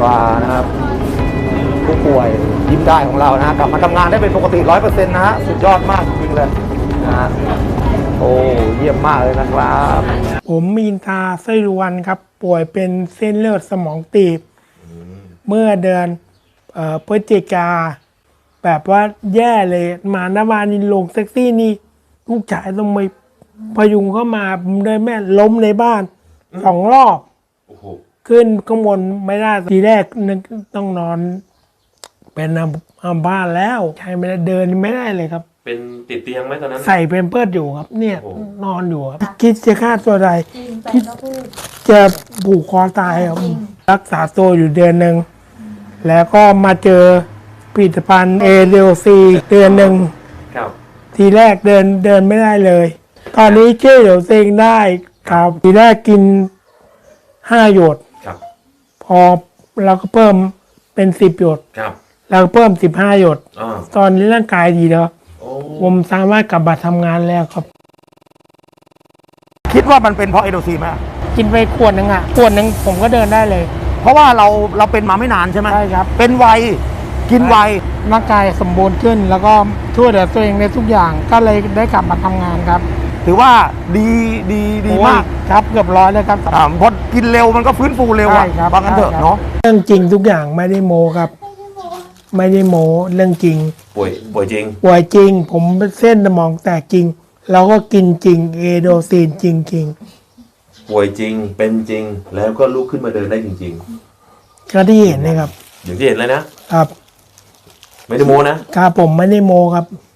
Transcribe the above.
ว่านะครับผู้ป่วยยิ้มได้ของเรานะกลับมาทำงานได้เป็นปกติ 100% นะฮะสุดยอดมากจริงเลยนะฮะโอ้เยี่ยมมากเลยนะครับผมมีนทาไส้รวนครับป่วยเป็นเส้นเลือดสมองตีบเมื่อเดือนพฤศจิกาแบบว่าแย่เลยมาหน้าบ้านนี่ลงแท็กซี่นี่ลูกชายต้องไปพยุงเข้ามาเลยแม่ล้มในบ้าน2 รอบขึ้นข้างบนไม่ได้ทีแรกนึกต้องนอนเป็นอัมพาตแล้วใช้ไม่ได้เดินไม่ได้เลยครับเป็นติดเตียงไหมตอนนั้นใส่เป็นเพิดอยู่ครับเนี่ยนอนอยู่ครับคิดจะฆ่าตัวตายคิดจะผูกคอตายครับรักษาตัวอยู่เดือนหนึ่งแล้วก็มาเจอผลิตภัณฑ์เอเดลซีเดือนหนึ่งทีแรกเดินไม่ได้เลยตอนนี้เชื่อเดี๋ยวเองได้ครับทีแรกกิน5 หยดพอเราก็เพิ่มเป็น10 หยดแล้วเพิ่ม15 หยดตอนนี้ร่างกายดีแล้วผมสามารถกลับมาทำงานแล้วครับคิดว่ามันเป็นเพราะเอโดซีไหมกินไปขวดหนึ่งผมก็เดินได้เลยเพราะว่าเราเป็นมาไม่นานใช่ไหมใช่ครับเป็นไวกินไวร่างกายสมบูรณ์ขึ้นแล้วก็ช่วยเหลือตัวเองในทุกอย่างก็เลยได้กลับมาทำงานครับถือว่าดีมากครับเกือบ100เลยครับพอกินเร็วมันก็ฟื้นฟูเร็วอ่ะบางกันเถอะเนาะเรื่องจริงทุกอย่างไม่ได้โมครับไม่ได้โมเรื่องจริงป่วยจริงผมเป็นเส้นสมองแตกจริงแล้วก็กินจริงเอโดซีนจริงป่วยจริงเป็นจริงแล้วก็ลุกขึ้นมาเดินได้จริงๆก็ที่เห็นนะครับอย่างที่เห็นเลยนะครับไม่ได้โมนะครับผมไม่ได้โมครับ